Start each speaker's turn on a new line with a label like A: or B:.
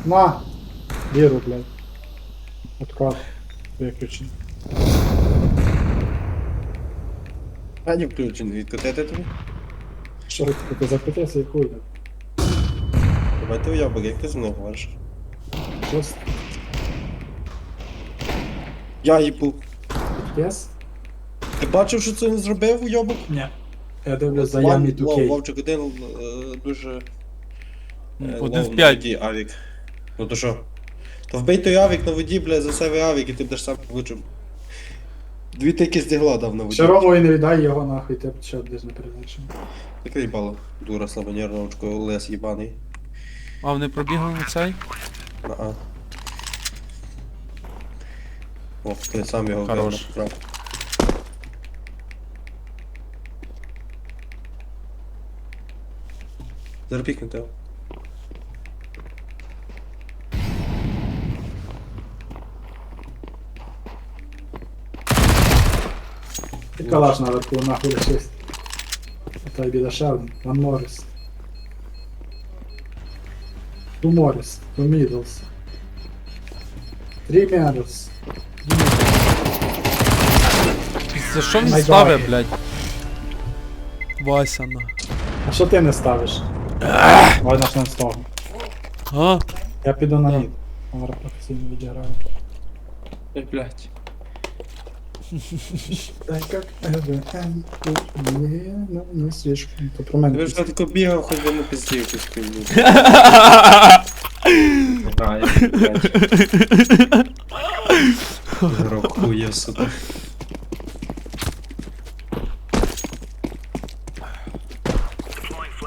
A: На! Віру, блядь. Откат. Виключений.
B: А не включений, відкотити тобі?
A: Що ти закрутився і хуй.
B: Давай ти уябок, як ти зі мною говориш?
A: Щось
B: Я їбу.
A: єс?
B: Ти бачив, що це не зробив уябок?
A: Ні. Я дивлюсь за Ямі 2K.
B: Вовчик один дуже...
C: Один в
B: на
C: 5.
B: воді авік. Ну то що? То вбий той авік на воді, бля, за себе авік, і ти будеш сам влучив. Дві тики стігла дав на воді.
A: Ще Ромові не віддай його нахуй, ти ще десь не передачимо.
B: Таке їбало. Дура слабонервна очко, лес їбаний.
C: А вони пробігли на цей?
B: А. О, ти сам його
C: Хорош.
B: вбив. Зараз пікнути його.
A: І калаш наверху нахуй лишився. А той біда ще один. Ван Морріс. Ту Морріс. Ту Мідлс. Трі Мідлс.
C: За що він
A: Найдорожче.
C: ставить, блядь? Вася на.
A: А що ти не ставиш? Давай начнем з того.
C: А?
A: Я піду на
C: Да.
A: мід. Зараз професійно відіграю.
B: Ой, блядь.
A: Так як не свіжку. То про мене.
B: Ви ж тако бігав, хоч би не пиздів якусь хуйню. А, я блядь. Гроб хуя, сука.